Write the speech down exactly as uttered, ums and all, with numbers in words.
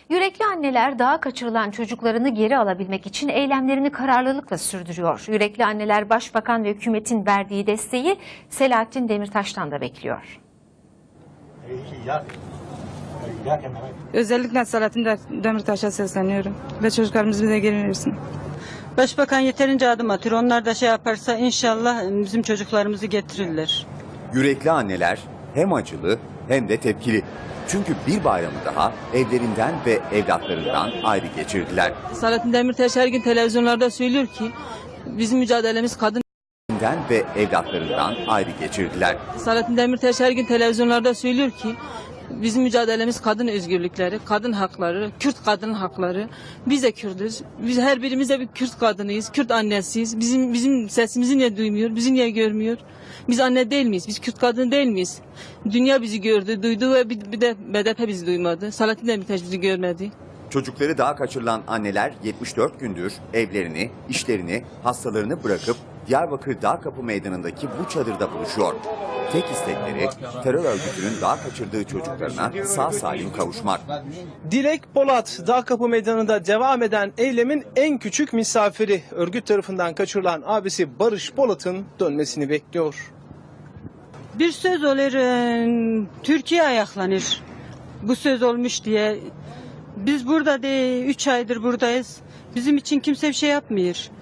Yürekli anneler dağa kaçırılan çocuklarını geri alabilmek için eylemlerini kararlılıkla sürdürüyor. Yürekli anneler Başbakan ve hükümetin verdiği desteği Selahattin Demirtaş'tan da bekliyor. Özellikle Selahattin Demirtaş'a sesleniyorum ve çocuklarımızı bize geri versin. Başbakan yeterince adım atıyor. Onlar da şey yaparsa inşallah bizim çocuklarımızı getirirler. Yürekli anneler hem acılı hem de tepkili. Çünkü bir bayramı daha evlerinden ve evlatlarından ayrı geçirdiler. Selahattin Demirtaş her gün televizyonlarda söylüyor ki bizim mücadelemiz kadın. Evlerinden ve evlatlarından ayrı geçirdiler. Selahattin Demirtaş her gün televizyonlarda söylüyor ki bizim mücadelemiz kadın özgürlükleri, kadın hakları, Kürt kadın hakları. Biz de Kürdüz. Biz her birimiz de bir Kürt kadınıyız, Kürt annesiyiz. Bizim bizim sesimizi niye duymuyor, bizi niye görmüyor? Biz anne değil miyiz? Biz Kürt kadın değil miyiz? Dünya bizi gördü, duydu ve bir, bir de B D P bizi duymadı. Selahattin Demirtaş bizi görmedi. Çocukları dağa kaçırılan anneler yetmiş dört gündür evlerini, işlerini, hastalarını bırakıp Diyarbakır Dağkapı Meydanı'ndaki bu çadırda buluşuyor. Tek istekleri terör örgütünün dağa kaçırdığı çocuklarına sağ salim kavuşmak. Dilek Polat, Dağkapı Meydanı'nda devam eden eylemin en küçük misafiri. Örgüt tarafından kaçırılan abisi Barış Polat'ın dönmesini bekliyor. Bir söz olur, e, Türkiye ayaklanır. Bu söz olmuş diye. Biz burada değil, üç aydır buradayız. Bizim için kimse bir şey yapmıyor.